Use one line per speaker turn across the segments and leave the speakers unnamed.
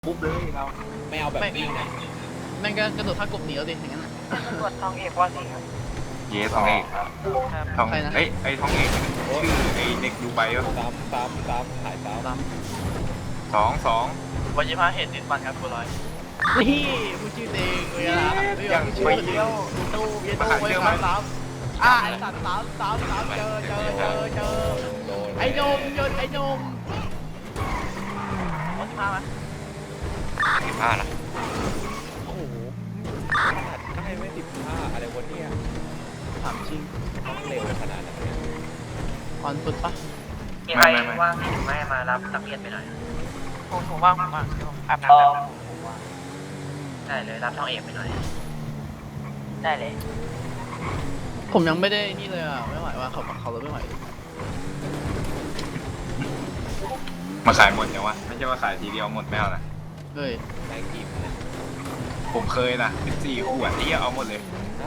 ปุ๊บเลยเราไม่เอาแบบวิ่งนะ
แม่งก็กระโดดท่ากบหนีแล้วดิอย่างนั้น
ตำรวจทองเอกว่าสิครับ
เยสทองเอก
ครับ
ทองไอ้ทองเอกชื่อไอ้เด็กดูไบวะ
ซ้ำถ่ายซ้ำ
ตาม
สอง
วันยี่ห้าเหตุติดฟันครับคุณร้อย
นี่พูดชื่อเองเลยอ่ะไม่ยอมพูดชื่อเดียวตู้เย็นตู้ไว้สามไอ้สัตว์สามเจอไอ้นมยนไอ้นม
วันยี่ห้าไหม
15ล่ะ
โอ้โหขนาดใกล้ไม่15อะไรวะเนี่ย
ถามจริง
ต้องเร็วขนาดนั้นเนี่ย
ออนฟุตปะ
มีใครว่างหรือไม่มารับนักเรียนไปหน่อยผมว่างผมว่างอาบน้ำได้เลยรับทองเอกไปหน่อยได้เลย
ผมยังไม่ได้นี่เลยอ่ะไม่ไหวว่าเขาเลยไม่ไหว
มาขายหมดยังวะไม่ใช่ว่าขายทีเดียวหมดไม่เอานะ
เฮ้ย
แรงกิบนะ
ผมเคยนะ14 ขวดที่เอาหมดเลย
นะ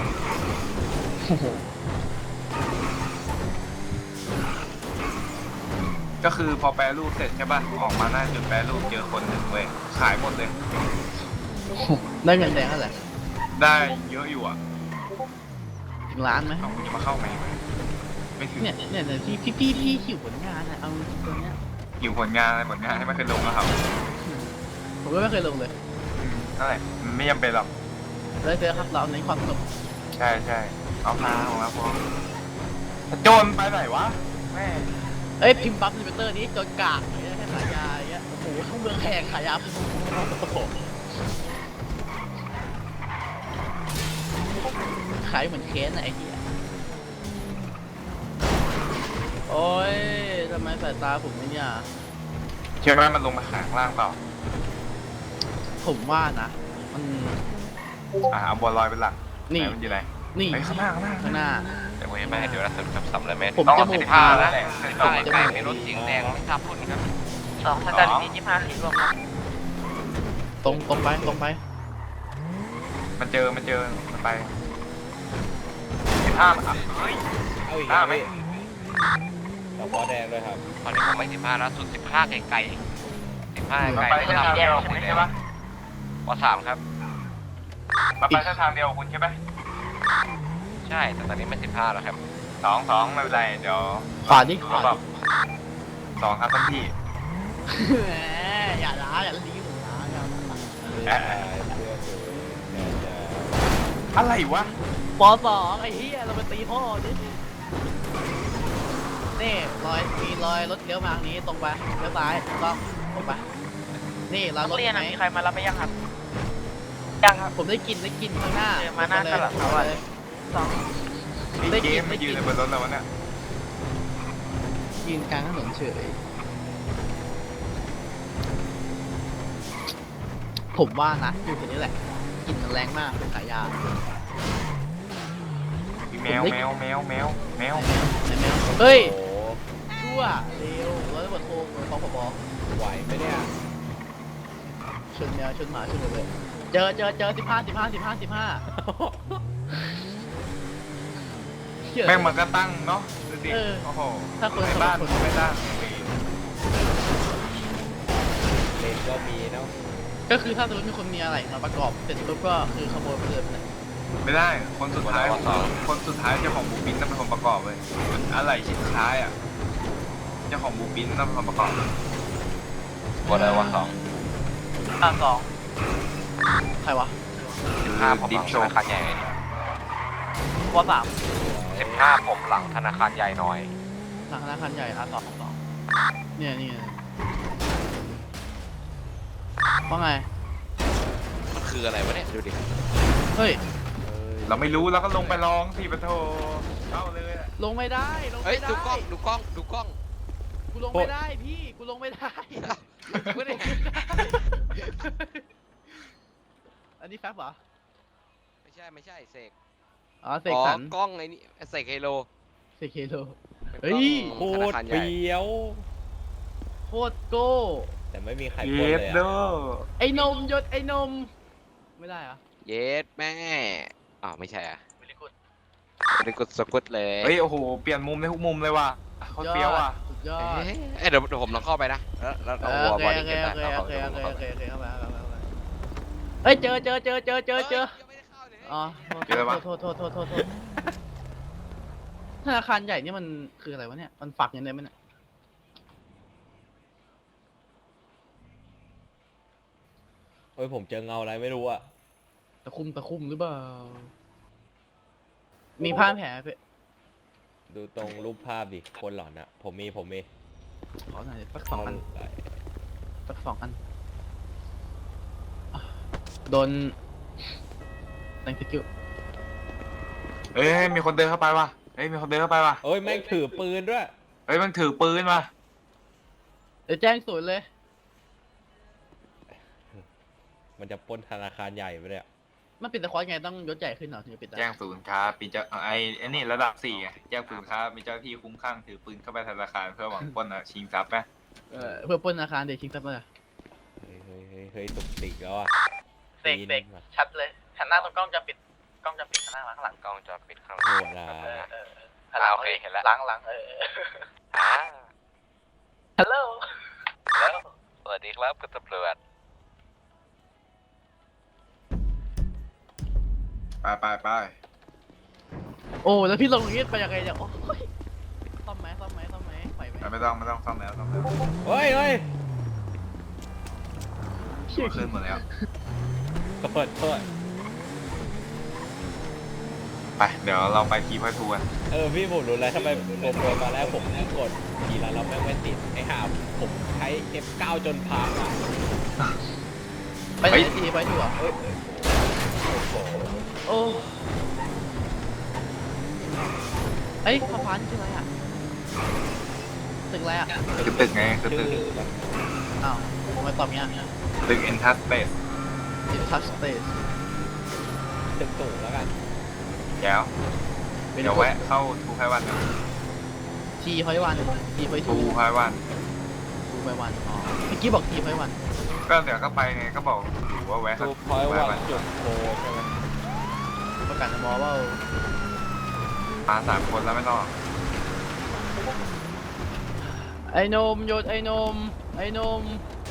ก็คือพอแปรรูปเสร็จใช่ป่ะออกมาหน้าจุดแปรรูปเจอคนหนึ่งเว้ยขายหมดเลย
ได้เงินแดงเท่าไหร่
ได้เยอะอยู่อ่ะ
ถึงล้านไหม
เอาจะมาเข้าไหมไม่ถึง
เนี่ยพี่หิวผลงานอ่ะเอาตัวเนี้ย
อยู่ผลงานอะไรผลงานให้ไม่เคยลงแล้วครับ
ผมก็ไม่เคยลงเลย
เท่าไหร่มันไม่จำเป็นหรอก
เลยเจอครับเราในความสนุก
ใช่เอาพาของเราพอโจรไปไหนวะแม่
เอ้ยพิมพ์บัฟในเตอร์นี้จนกากเนี่ยแค่ขายยาอย่างเงี้ยโอ้โหทั้งเมืองแหกขายยาขายเหมือนเค้นอะไอ้เหี้ยโอ้ยทำไมสายตาผมไม่เนี่ย
เชื่อไหมมันลงมาข้างล่างเปล่า
ผมว่านะมัน
เอาบัวลอยเป็นหลัก
นี่
ไหมันอยู่ไหน
นี่
ไอ้ข้างหน้า
ข้างหน้า
แต่ว่าไม่เดี๋ยวเราสำเร็จไหม
ผม
ต้อง
จะ
เอา
บุก
15
มา
แล้วแหละ
ต้อง
ใกล้ๆไม่รถสีแดงไม่ทับคนครับ
สองสกัดที่25เหรียญรวมครับ
ตรงไป
มันเจอมันไป15อ่ะเฮ้ย
เอาอีก
ห้า
แล้ว
ไหม
พี่ต่อปอแดงด้วยครับ
ตอนนี้ผมไม่15แล้วสุด15ไกลๆ15ไกล
ไปเส้นทางเดียวใช่ไหม
ป3ครับมาไปเส้นทางเดียวคุณใช่ไหมใช่แต่ตอนนี้ไม่15แล้วครับ2ไม่เป็นไรเดี๋ยว
ขวาดิขวา
แบบ2ครับท่านพี่
แหมอย่าล้าอย่าลีผมล้าอย่าล้า
เสื้อสวยจะ
อะไรวะ
ป.2ไอ้เหี้ยเราไปตีพ่อดินี่มีรอยรถเลี้ยวมาทางนี้ตรงไปเลี้ยวซ้ายถูกต้องตรงไปนี่เรา
นั
ร
ก
ถ
เรียน
ไหม
มีใครมารับไปยังครับยังครับ
ผมได้กินข้างหน้า
เจอมาหน้าตลาด
เลย
สอง
ไอ้เกมไม่ยืนในบนรถแล้ววะเนี่ย
ยืนกลางถนนเฉยผมว่านะอยู่ตรงนี้แหละกลินมันแรงมากขายยา
มีแมว
ไหนแมวเฮ้ย
โอ้
ชั่วเร็วร้อยตำรวจโทรของผบ
ไหวไหมเนี่ย
ชนแมวชนหมาชนเลยเจอ15
แม่งมันก็ตั้งเนาะดูดิโอ้โห
ถ้าคน
ในบ้านไม่ตั้ง
เลนก็มีเนาะ
ก็คือถ้าสมมติมีคนมีอะไรมาประกอบเสร็จปุ๊บก็คือขโมยไปเลยไปไหน
ไม่ได้คนสุดท้ายคนสุดท้ายเจ้าของบูปินต้องเป็นคนประกอบเลยอะไรชิ้นสุดท้ายอ่ะเจ้าของบูปินต้องเป็นคนประกอบวันอะไรวัน2
สอง
ใครวะ
15ผมหลังธนาคารใหญ่
วันสาม
15ผมหลังธนาคารใหญ่หน่อย
ทางธนาคารใหญ่2เนี่ยว่าไง
มันคืออะไรวะเนี่ย ดูดิ
เฮ้ย
เราไม่รู้เราก็ลงไปลองสิปะโทเข้าเลย
ลงไม่ได้ลง
เฮ้ย
ไม่
ดูกล้
ได้
อง ดูกล้อง ดูกล้อง
กูลงไม่ได้พี่กูลงไม่ได้
ไม่ได้
อันนี้แฟบเหรอ
ไม่ใช่ ไม่ใช่ เสก
อ๋อเสกสรร
กล้องไอ้นี่ เสกเฮโล
เสกเคโล
เป็น
เฮ้
กล้อง
ย
โค
ธนา
ตร
คารใหญ่
เฟี้ยว
โคตรโก้
แต่ไม่มีใคร
เย
ปล้น
ส
เลย
เด้
อะ
อ
ไอ้นมยศไอ้นมไม่ได้เหรอ
เยสแม่ อ้าว ไม่ใช่อ่ะ
วิลิกุด
บริกุดสกุดเลย
เฮ้ยโอ้โหเปลี่ยนมุมในทุกมุมเลยว่ะคนเฟี้ยวอ่ะ
สุดยอด
เอ้ยเดี๋ยวผมลองเข้าไปนะแล้ว
โอ
เอา
เค
วอล
โอ
ดิ้ง
เค
กัน
โอ
ได้
เค
เอา
โอ
เข้า
เค
ไป
โอเคโอเคเข้าไปเฮ้ยเจออ๋อโทษธนาคารใหญ่นี่มันคืออะไรวะเนี่ยมันฝักยังไงมันเนี่ย
เฮ้ยผมเจอเงาอะไรไม่รู้อะ
ตะคุ่มหรือเปล่ามีผ้าแผลเพื่อ
ดูตรงรูปภาพดิคนหลอนอะผมมี
ขอหน่อยสักสองอันสักสองอันอ่ะโดนthank you
เอ้ยมีคนเดินเข้าไปว่ะเฮ้ยมีคนเดินเข้าไปว่ะ
เอ้ยแม่งถือปืนด้วย
เฮ้ยมันถือปืนมา
เดี๋ยวแจ้งศูนย์เลย
มันจะปล้นธนาคารใหญ่ไปเลยอะ
มันปิดตะควอไงต้องยศใหญ่ขึ้นเหรอถึงจะปิดได้
แจ้งศูนย์ครับมีเจ้าไอ้นี่ระดับ4ไงแจ้งศูนย์ครับมีเจ้าหน้าที่คุ้มข้างถือปืนเข้าไปธนาคารเพื่อหวังปล้นชิงทรัพย์ไหม
เพื่อปล้นธนาคารเด็กชิงทรัพย์มา
เฮ้ยตุกติกแล้วอะ
เด็กชัดเลยหันหน้าตรงกล้องจะปิดหันหน้าข้างหลัง
กล้องจะปิดข้าง
โหดนะ
โอเคเห็นแล้ว
หลังฮัลโหล
สวัสดีครับคุณตำรวจ
ไป
โอ้แล้วพี่ลงอย่างนี้ไปยังไงเนี่ยโอ้ยซ่อมไหมไหวไหม
ไม่ต้องซ่อมแล้ว
เฮ้ย
ตัวขึ้นหมดแล้ว
โทษ
ไปเดี๋ยวเราไปทีพอยทูกัน
พี่ผมรู้แล้วทำไมผมโดนมาแล้วผมกดทีละเราแม่งไม่ติดไอ้ห่าผมใช้ F9 จนพังอะ
ไปไหนทีไปถูกเหรอ
โอ้โห
โอ้เอ้ยสะพานคืออะไรอ่ะตึกอะไรอ่ะ
คือตึกไงคือตึก
อ้าวทำไมตอบเงี้ย
ตึกเอ็นทัสเปซ
เดี๋ยวทัชสเตส
ตึกสูงแล้วกัน
เดี๋ยวแวะเข้าทูไพวันนะ
ทีไฟวันทีไฟ
ทู
ทู
ไพวัน
ทูไฟวันอ๋อเมื่อกี้บอกทีไฟวัน
ก็เดี๋ยวก็ไปไงก็บอกอยู่ว่าแวะ
ดูพอยวันจุดโคใช่ไหม
ประกาศมอว่า
มา3 คนแล้วไม่ต้อง
ไอ้นมโยนไอ้นม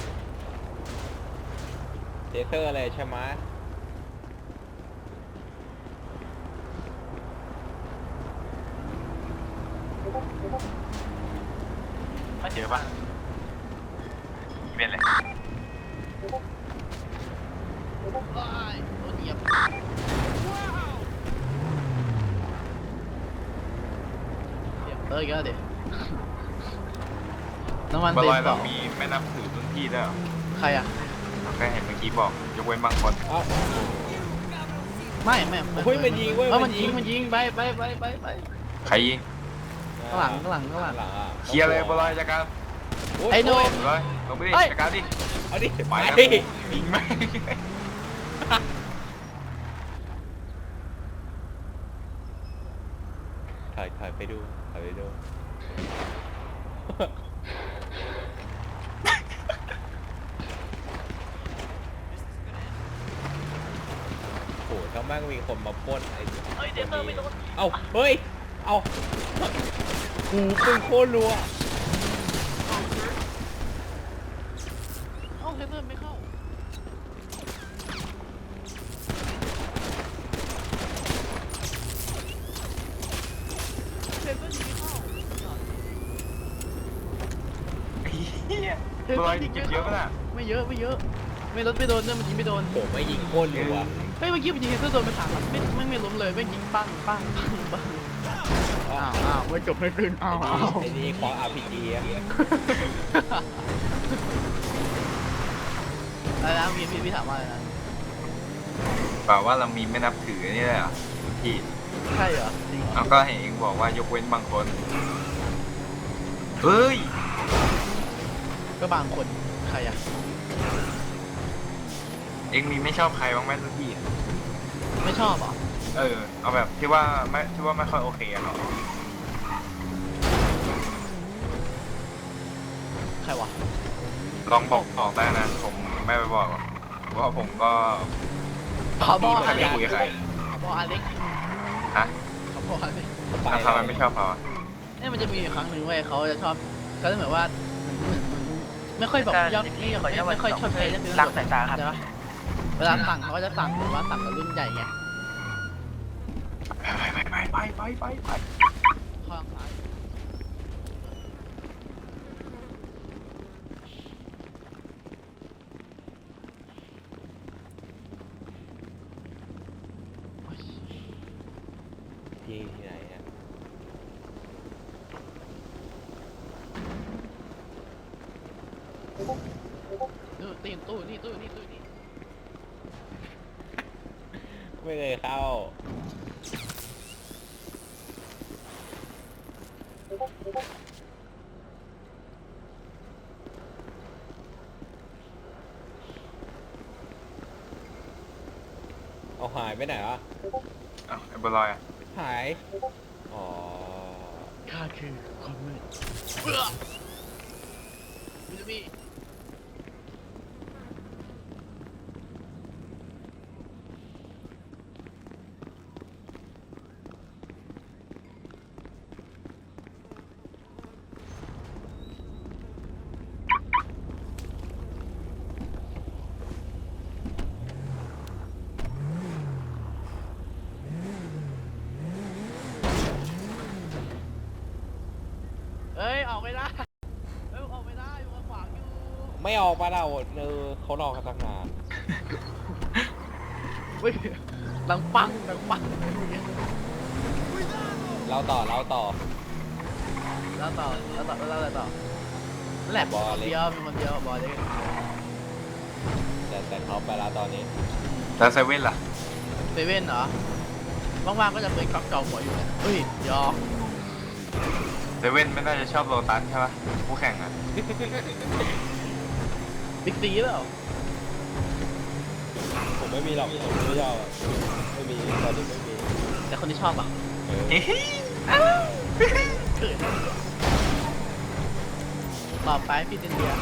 เทเซอร์เลยใช่ไหม
ไม่เจอปะเป็นเลย
ว้ายโดนเหยียบอีกแล้วเดี๋ยวน้ำมัน
บอ
เต็
ล
ม
อย
ต่
เรา
อ
มีไม่นับถือรุ่นพี่ด้วยเหรอ
ใครอ่ะ
ก็เห็นเมื่อกี้บอกยกเว้นบางคน
เอ้า
ไม่
เฮ้ยมันยิงเว้ย
มันยิงไป
ใครยิง
ข้างหลัง
หลังอะ
เคลียร์เลยบอลอยจัดการ
ไอ้โน่
บอลอยลงไปดิ
เฮ้ย
จัดการดิ
เอาดิ
ไป
ไป
แล้วยิงไหม
ถอยไปดูโอ้ถ้าแม่งมีคนมาปล้นไอ้คนนี้เอ้าเฮ้ยเอาหูปืนโคตรรัว
เอ้าเทเซอร์ไม่เข้าเทเซอร์ยิงไม่เข้า
บอลอยเก็บเยอะป่ะน่ะ
ไม่เยอะไม่ลดไม่โดนด้วยมันยิงไม่โดน
ผมไม่ยิงโคตรรัว
เฮ้ยเมื่อกี้มันยิงเทเซอร์โดนไป3 นัดไม่ล้มเลยไม่ยิงปังอ้าวไม่จบไม่ขึ้นอ้าว
ไอ้นี่ของ RPG อะ
อะไรนะพี่ถามว่าอะไรนะ
เปล่าว่าเรามีไม่นับถือนี่เลยเหรอพี่
ใช่เหรอจริงเหรอ
เอาก็เห็นเองบอกว่ายกเว้นบางคนเฮ้ย
ก็บางคนใครอ่ะ
เองมีไม่ชอบใครบ้างไหมรุ่นพี่อะ
ไม่ชอบเหรอ
เอาแบบที่ว่าไม่ค่อยโอเคอะครับ
ใครวะ
ลองบอกได้นะผมไม่ไปบอกหรอกเพราะว่าผมก็
ขอบอ
ไม่ค่อยได้คุยกับใคร
ขอบออเล็ก
ฮะ
ขอบออเล็ก
ทำไมไม่ชอบเขาอะ
เนี่ยมันจะมีอยู่ครั้งหนึ่งเว้ยเขาจะชอบก็จะเหมือนว่าไม่ค่อยแบบยอดไม่ค่อยชอบใช้เรื่อง
ล้างสายตาครับ
ใช่ปะเวลาสั่งเขาก็จะสั่งแบบว่าสั่งกับรุ่นใหญ่ไง
ไป
ข้างซ้ายโอ้ย
ที่ไหนอะ
นู่นตีนตู้นี่ตู้นี่ตู้นี่
ไม่เคยเข้าเอาหายไปไหนวะ
อ้าวไอ้บัวลอยอ่ะ
หาย อ๋อ
ข้าคือความมืดเบื่อมิลลี่ เอ้ยออกไม่ได้เอ้ยออกไม่ได้อยู่ขวางอยู่
ไม่ออกมาเราเขารอกันตั้งนาน
เฮ้ยดังปัง
เราต่อ
แล้วต่อนั่นแหละ
บอลเล็ก
มีคนเดียวบอลเล็ก
แต่เขาไปแล้วตอนนี้
แล้วเซเว่นล่ะ
เซเว่นเหรอว่างๆก็จะเปิดก๊อกเก่าหัวอยู่นะเฮ้ยยอ
เซเว่นไม่น่าจะชอบโลตัสใช่ปะผู้แข่งอ่ะ
บิ๊กซีเปล่า
ผมไม่มีหรอกผมไม่ชอบอะไม่มีตอนนี้ไม่มี
แต่คนที่ชอบอ่ะ
เออ
เกิดต่อไปพี่เดนเดีย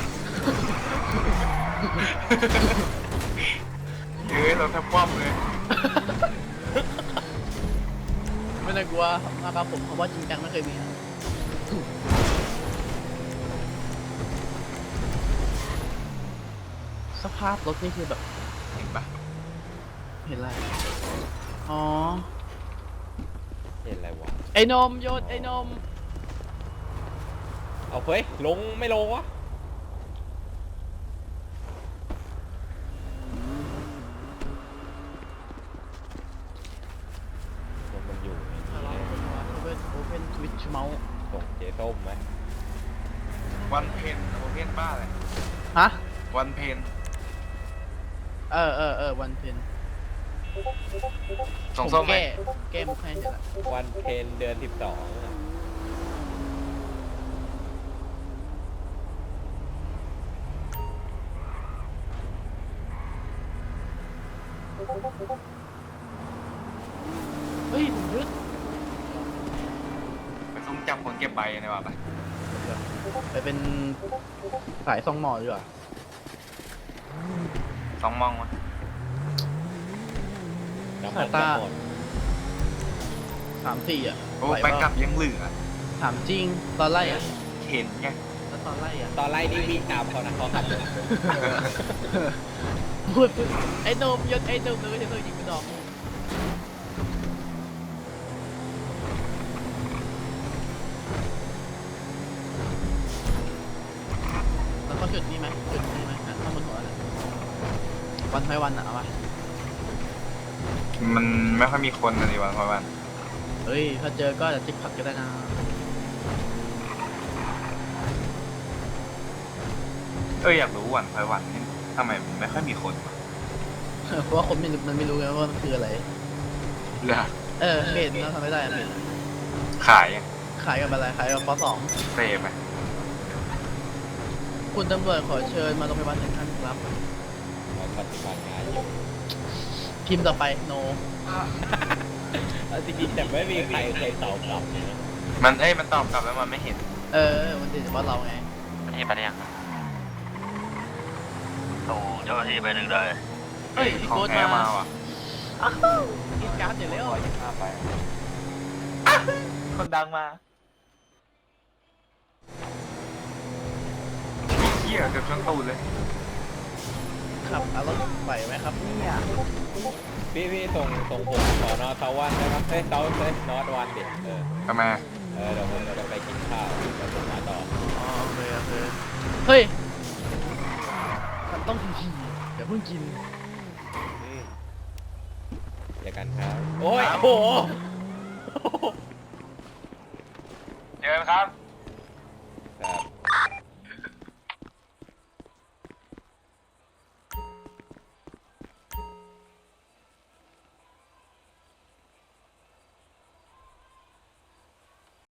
เราแทบคว่ำเลย
ไม่ต้องกลัวนะครับผมเพราะว่าจริงจังไม่เคยมีนะสภาพรถนี่คือแบบ
เห็นปะ
เห็นอะไรอ๋อ
เห็นอะไรวะ
ไอ้นมโยนไอ้นม
เอาเฮ้ยลงไม่ลงวะมันอยู่ใน
ทะ
นี้
เลาะกันว่าโอเพนทวิตช์เมาส์
ส่งเจ๊ส้มไหม
วันเพนวันเพนบ้าเลย
ฮะ
วันเพน
วันเพน
ส่งส้มไหม
แก้มุกให้เสร็จแล้ว
วันเพนเดือน 12อะ
เฮ้ยผมยึด
ไปซุ่มจับคนเก็บใบในว่ะไป
ไปเป็นสายซองหมอดีกว่า
สองมองวะ
น้ำมันจะหมด
3-4อ่ะ
โอ้
ไหว
ไป
เป
กลั
ล่า
บยังเหลือ
ถามจริงตอนไล่อ่ะ
เห็นไง
แล้วตอนไล่อ่ะ
ตอนไล่นี่วิ่งตามเขานะเขาขับรถ
พูดไอ้โนมยศไอ้โนมเลยเธอยิงกระดอกแล้วก็จุดนี้ไหมจุดนี้ไหมข้างบนหัวเลยวันไม่วันอ่ะเอาวะ
มันไม่ค่อยมีคนเลยวันพอวัน
เฮ้ยถ้าเจอก็จะติ๊กผักก็ได้นะ
อยากรู้วันพอวันนี่ทำไมมันไม่ค่อยมีคนวะ
เพราะว่าคนมันไม่รู้ไงว่ามันคืออะไร
เหรอ
เพจเราทำไม่ได้อะเพจ
ขายยัง
ขายกับอะไรขายกับป
เซฟไหม
.2 คุณตำรวจขอเชิญมาโรงพยาบาล1ท่านครับ
เราปฏิบัติงานอยู่
พิมพ์ต่อไปโน
จริงๆแต่ไม่มีใครเคยตอบกลับเลยนะ
มันตอบกลับแล้วมันไม่เห็น
มันติดเฉพาะเราไง
ประเทศไปได้ยังโอ้เจ้าหน้าที่ไปหนึ่งเลย
เฮ้ยพี่
ของ
โค้ด
แท้
มา
มาว่ะ
กินการ์ดอยู่แล้ว
คนดังมาหี้ยเกือบชนตูดเลย
ขับเอารถไหวไหมครับเนี่ย
พี่ส่งผมสอนอเทาวันนะครับเอ้ยเทานอตวันดิ
ทำไม
เดี๋ยวผมจะไปกินข้าวแล้วผมมาต่อ
อ๋อโอเคเฮ้ยมันต้องทีเดี๋ยวเพิ่งกิน
เจอกันครับโอ้ยโอ้โห
เจอกันครับ